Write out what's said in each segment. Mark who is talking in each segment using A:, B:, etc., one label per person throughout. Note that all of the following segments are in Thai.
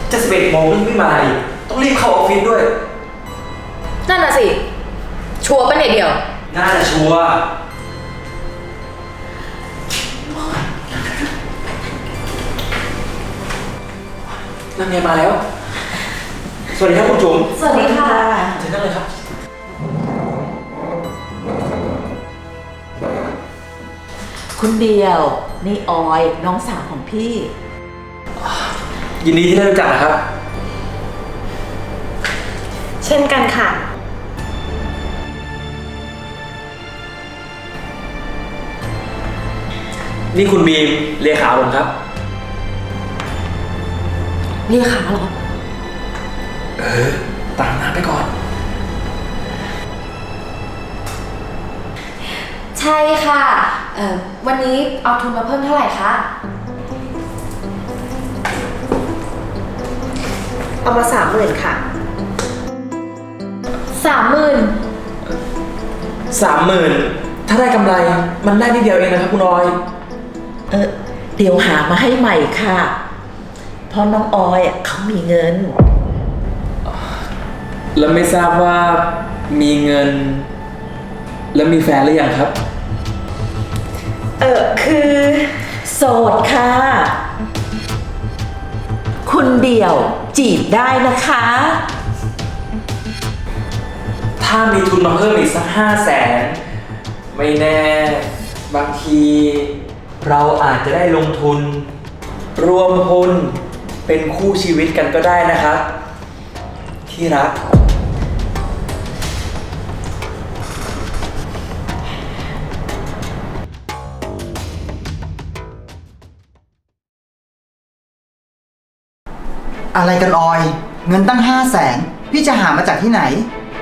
A: จะ11 โมงไม่มาอีกต้องรีบเข้าออฟฟิศด้วย
B: นั่นน่ะสิชัวร์ปะเนี่ยเดียว
A: น่าจะชัวร์นั่นไงมาแล้ว สวัสดีครับคุณจุ๋ม
B: สวัสดีค่ะ
A: เชิญนั่งเลยครับ
C: คุณเดียวนี่ออยน้องสาวของพี่
A: ยินดีที่ได้รู้จักนะครับ
B: เช่นกันค่ะ
A: นี่คุณบีมเลขาผมครับ
B: เรียกขาเหรอ
A: ตามน้ำไปก่อน
B: ใช่ค่ะวันนี้เอาทุนมาเพิ่มเท่าไหร่คะ เอามา30,000ค่ะ30,000
A: 30,000ถ้าได้กำไรมันได้นิดเดียวเองนะครับคุณออย
C: เดี๋ยวหามาให้ใหม่ค่ะเพราะน้องออยเขามีเงิน
A: แล้วไม่ทราบว่ามีเงิน แล้วมีแฟนหรือยังครับ
C: คือโสดค่ะ คุณเดียวจีบได้นะคะ
A: ถ้ามีทุนมาเพิ่มอีกสัก500,000ไม่แน่บางทีเราอาจจะได้ลงทุน รวมหุ้นเป็นคู่ชีวิตกันก็ได้นะครับ ที่รัก
D: อะไรกันออย เงินตั้ง500,000พี่จะหามาจากที่ไหน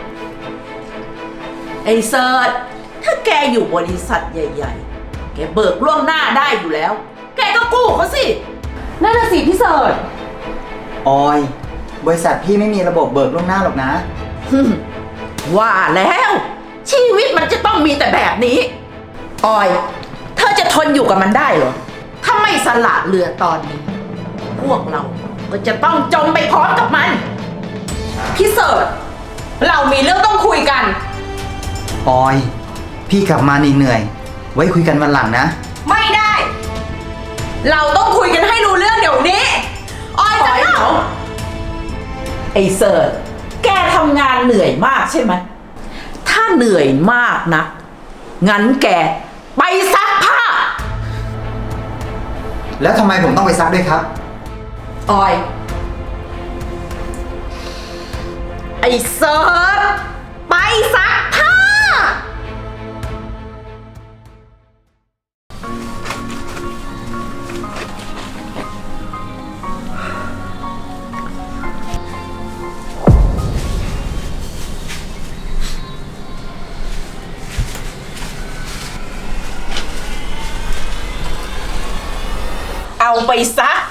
C: ไอ้เซิร์ชถ้าแกอยู่บริษัทใหญ่ๆ แกเบิกล่วงหน้าได้อยู่แล้ว แกก็กู้เขาสิ
B: นั่นน่ะสิพี่เสิร์ช
D: ออย บริษัทพี่ไม่มีระบบเบิกล่วงหน้าหรอกนะ
C: ว่าแล้ว ชีวิตมันจะต้องมีแต่แบบนี้ ออย เธอจะทนอยู่กับมันได้เหรอ ถ้าไม่สละเรือตอนนี้ พวกเราก็จะต้องจมไปพร้อมกับมัน
B: พี่เสิร์ชเรามีเรื่องต้องคุยกัน
D: ออย พี่กลับมาเหนื่อยๆไว้คุยกันวันหลังนะ
B: ไม่ได้ เราต้องคุยกันให้รู้เรื่องเดี๋ยวนี้ ออยจะเล่า
C: ไอ้เสิร์ชแกทำงานเหนื่อยมากใช่ไหม ถ้าเหนื่อยมากนะ งั้นแกไปซักผ้า
D: แล้วทำไมผมต้องไปซักด้วยครับ
C: ออย ไอ้เซิร์ชไปซักผ้า เอาไปซัก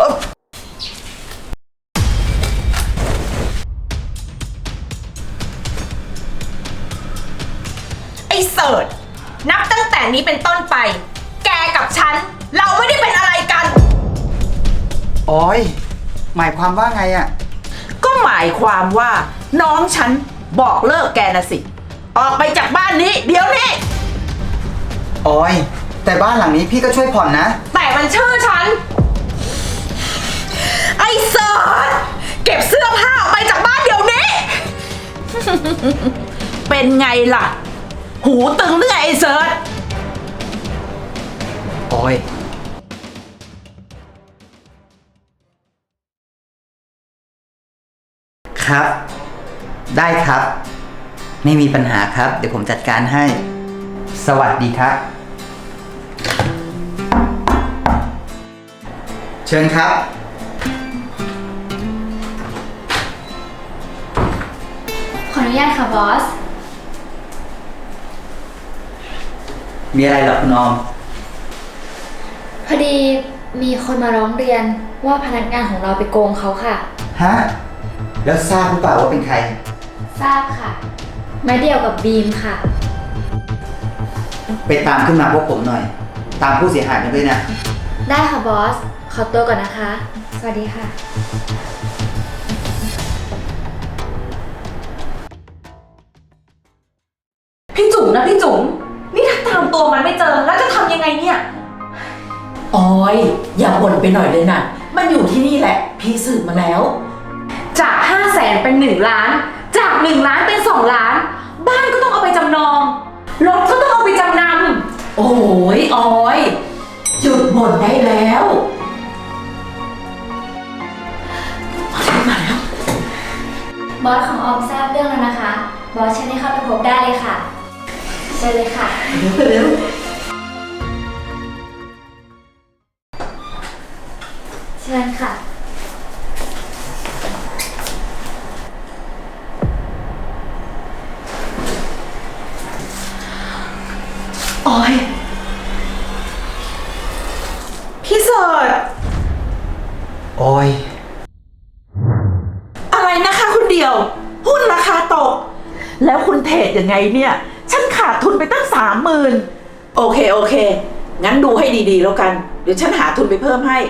B: ไอ้เสิร์ชนับตั้งแต่นี้เป็นต้นไป แกกับฉัน เราไม่ได้เป็นอะไรกัน
D: ออย หมายความว่าไงอะ
C: ก็หมายความว่าน้องฉันบอกเลิกแกนะสิ ออกไปจากบ้านนี้ เดี๋ยวนี้
D: ออย แต่บ้านหลังนี้พี่ก็ช่วยผ่อนนะ
B: แต่มันชื่อฉัน ไอ้เสิร์ชเก็บเสื้อผ้าออกไปจากบ้านเดี๋ยวนี้
C: เป็นไงล่ะ หูตึงหรือไงไอ้เซิร์ช
D: ออย ครับ ได้ครับ ไม่มีปัญหาครับ เดี๋ยวผมจัดการให้ สวัสดีครับ เชิญครับ
E: ขออนุญาตค่ะบอส
D: มีอะไรเหรอคุณออม
E: พอดีมีคนมาร้องเรียนว่าพนักงานของเราไปโกงเขาค่ะ
D: ฮะ แล้วทราบหรือเปล่าว่าเป็นใคร
E: ทราบค่ะไม้เดียวกับบีมค่ะ
D: ไปตามขึ้นมาพวกผมหน่อย ตามผู้เสียหายมาด้วยนะ
E: ได้ค่ะบอสขอตัวก่อนนะคะ สวัสดีค่ะ
B: พี่จุ๋มนะพี่จุ๋มนี่ถ้าตามตัวมันไม่เจอแล้วจะทำยังไงเนี่ย
C: ออยอย่าบ่นไปหน่อยเลยนะมันอยู่ที่นี่แหละ พี่สืบมาแล้ว
B: จาก 500,000 เป็น1 ล้าน จาก 1 ล้านเป็น2 ล้าน บ้านก็ต้องเอาไปจำนอง รถก็ต้องเอาไปจำน
C: โอ้ยออยหยุดบ่นได้แล้วมาแล้ว
E: บอสของออมทราบเรื่องแล้วนะคะ บอสเชิญให้เข้าไปพบได้เลยค่ะเชิญเลยค่ะ
C: เร็ว
E: เชิญค่ะ
B: ำออย พี่เสิร์ช
A: ออย
C: อะไรนะคะคุณเดียว หุ้นราคาตก แล้วคุณเทรดยังไงเนี่ย ฉันขาดทุนไปตั้ง30,000โอเค งั้นดูให้ดีๆแล้วกัน เดี๋ยวฉันหาทุนไปเพิ่มให้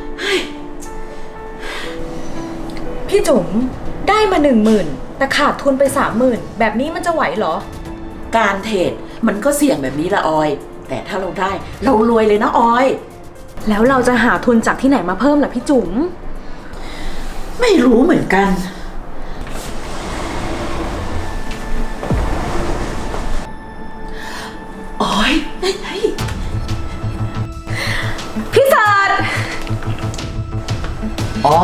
B: พี่จุ๋มได้มา 10,000 แต่ขาดทุนไป 30,000 แบบนี้มันจะไหวเหรอ
C: การเทรดมันก็เสี่ยงแบบนี้ละออย แต่ถ้าเราได้เรารวยเลยนะออย
B: แล้วเราจะหาทุนจากที่ไหนมาเพิ่มล่ะพี่จุ๋ม
C: ไม่รู้เหมือนกัน ออยเฮ้ย
B: พี่เสิร์ช
A: ออย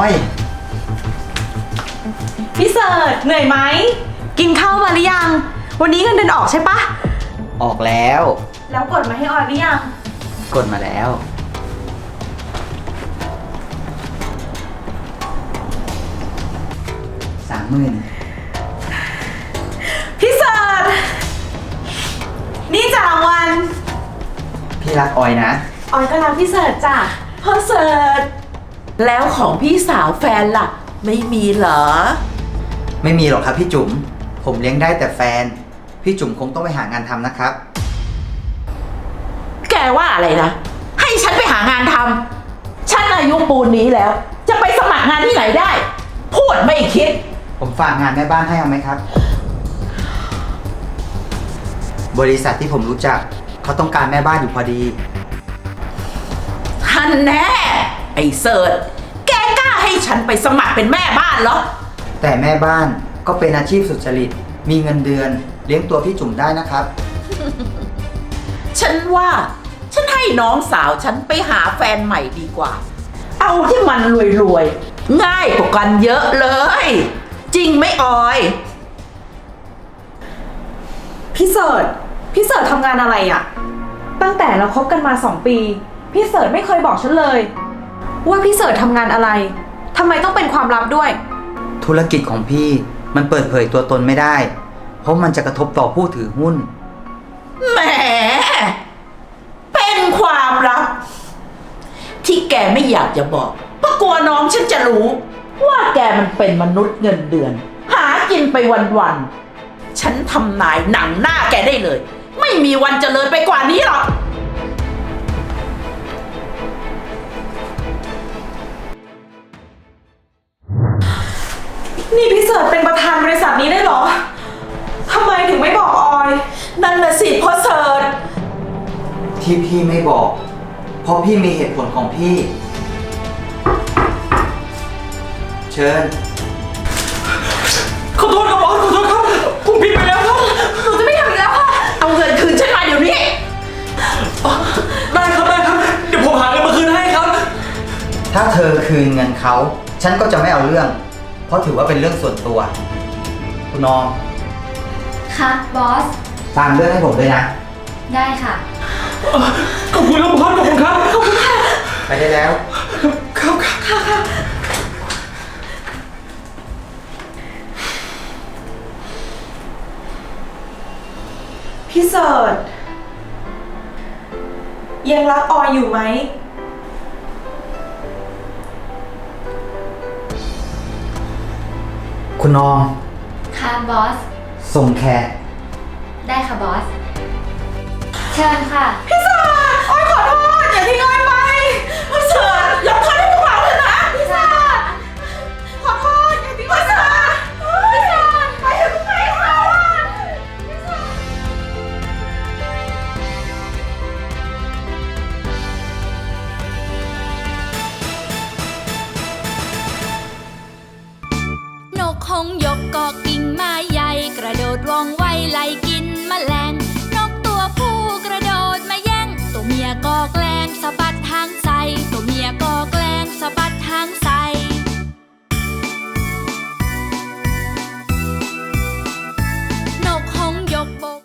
B: พี่เสิร์ชเหนื่อยไหม กินข้าวมาหรือยัง วันนี้เงินเดือนออกใช่ปะ
A: ออกแล้ว
B: แล้วกดมาให้ออยหรือยัง
A: กดมาแล้ว 30,000
B: พี่เสิร์ชนี่จ่ารางวัล
A: พี่รักออยนะ
B: ออยก็รักพี่เสิร์ชจ้ะ
C: พ่อเสิร์ชแล้วของพี่สาวแฟนล่ะ ไม่มีเหรอ
D: ไม่มีหรอกครับพี่จุ๋ม ผมเลี้ยงได้แต่แฟน พี่จุ๋มคงต้องไปหางานทำนะครับ
C: แกว่าอะไรนะ ให้ฉันไปหางานทำฉันอายุปูนนี้แล้ว จะไปสมัครงานที่ไหนได้ พูดไม่คิด
D: ผมฝากงานแม่บ้านให้เอาไหมครับ บริษัทที่ผมรู้จักเขาต้องการแม่บ้านอยู่พอดี
C: ท่านแน่ ไอ้เสิร์ชแกกล้าให้ฉันไปสมัครเป็นแม่บ้านเหรอ
D: แต่แม่บ้านก็เป็นอาชีพสุจริต มีเงินเดือน เลี้ยงตัวพี่จุ๋มได้นะครับ
C: ฉันว่าฉันให้น้องสาวฉันไปหาแฟนใหม่ดีกว่า เอาที่มันรวยๆ ง่ายกว่ากันเยอะเลย จริงไหมออย
B: พี่เสิร์ชทำงานอะไรอะตั้งแต่เราคบกันมา2 ปี พี่เสิร์ชไม่เคยบอกฉันเลย ว่าพี่เสิร์ชทำงานอะไรทำไมต้องเป็นความลับด้วย
D: ธุรกิจของพี่มันเปิดเผยตัวตนไม่ได้ เพราะมันจะกระทบต่อผู้ถือหุ้น
C: แหม เป็นความลับ ที่แกไม่อยากจะบอกเพราะกลัวน้องฉันจะรู้ ว่าแกมันเป็นมนุษย์เงินเดือน หากินไปวันๆ ฉันทำนายหนังหน้าแกได้เลย ไม่มีวันเจริญไปกว่านี้หรอก
B: นี่พี่เสิร์ชเป็นประธานบริษัทนี้ได้เหรอทำไมถึงไม่บอกออย
C: นั่นน่ะสิพ่อเสิร์ช
D: ที่พี่ไม่บอก เพราะพี่มีเหตุผลของพี่ เชิญ
A: ขอโทษครับบอสขอโทษครับ ผมผิดไปแล้วครับ
B: หนูจะไม่ทำอีกแล้วค่ะ
C: เอาเงินคืนฉันมาเดี๋ยวนี้
A: ได้ครับ เดี๋ยวผมหาเงินมาคืนให้ครับ
D: ถ้าเธอคืนเงินเขา ฉันก็จะไม่เอาเรื่อง เพราะถือว่าเป็นเรื่องส่วนตัว คุณน้อง
E: ค่ะ บอส
D: ตามเรื่องให้ผมด้วยนะ
E: ได้ค่ะ
A: ขอบคุณครับบอสขอบคุณครับ ขอบคุณค่ะ
D: ไปได้แล้ว
A: ครับ
B: พี่เสิร์ชยังรักออยอยู่ไหม
D: คุณน้อง
E: ค่ะ บอส
D: ส่งแขก
E: ได้ค่ะ บอส เชิญค่ะ
B: พี่เสิร์ชออยขอโทษอย่าทิ้งออยไป
C: พ่อเสิร์ชยกโทษ
F: งยกกอกิ่งไม้ใหญ่กระโดดว่องไวไล่กินแมลงนกตัวผู้กระโดดมาแย่งตัวเมียก็แกล้งสะบัด